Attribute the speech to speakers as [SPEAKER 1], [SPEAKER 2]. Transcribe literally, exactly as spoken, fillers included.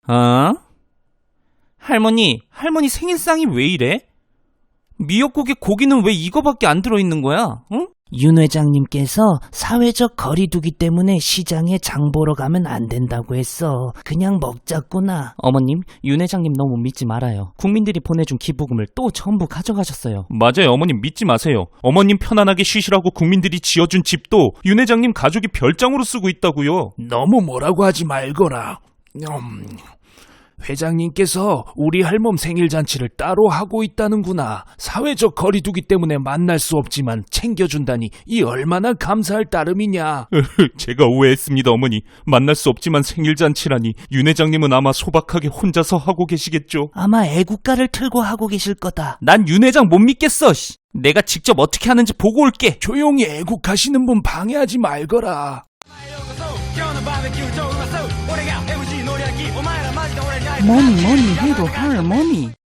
[SPEAKER 1] 어? 할머니, 할머니 생일상이 왜 이래? 미역국에 고기는 왜 이거밖에 안 들어있는 거야? 응?
[SPEAKER 2] 윤 회장님께서 사회적 거리두기 때문에 시장에 장 보러 가면 안 된다고 했어. 그냥 먹자꾸나.
[SPEAKER 1] 어머님, 윤 회장님 너무 믿지 말아요. 국민들이 보내준 기부금을 또 전부 가져가셨어요. 맞아요, 어머님 믿지 마세요. 어머님 편안하게 쉬시라고 국민들이 지어준 집도 윤 회장님 가족이 별장으로 쓰고 있다고요.
[SPEAKER 3] 너무 뭐라고 하지 말거라. 음, 회장님께서 우리 할멈 생일잔치를 따로 하고 있다는구나. 사회적 거리두기 때문에 만날 수 없지만 챙겨준다니 이 얼마나 감사할 따름이냐.
[SPEAKER 1] 제가 오해했습니다, 어머니. 만날 수 없지만 생일잔치라니. 윤 회장님은 아마 소박하게 혼자서 하고 계시겠죠.
[SPEAKER 2] 아마 애국가를 틀고 하고 계실 거다.
[SPEAKER 1] 난 윤 회장 못 믿겠어. 씨. 내가 직접 어떻게 하는지 보고 올게.
[SPEAKER 3] 조용히 애국하시는 분 방해하지 말거라.
[SPEAKER 2] 뭐니 뭐니 해도 할머니.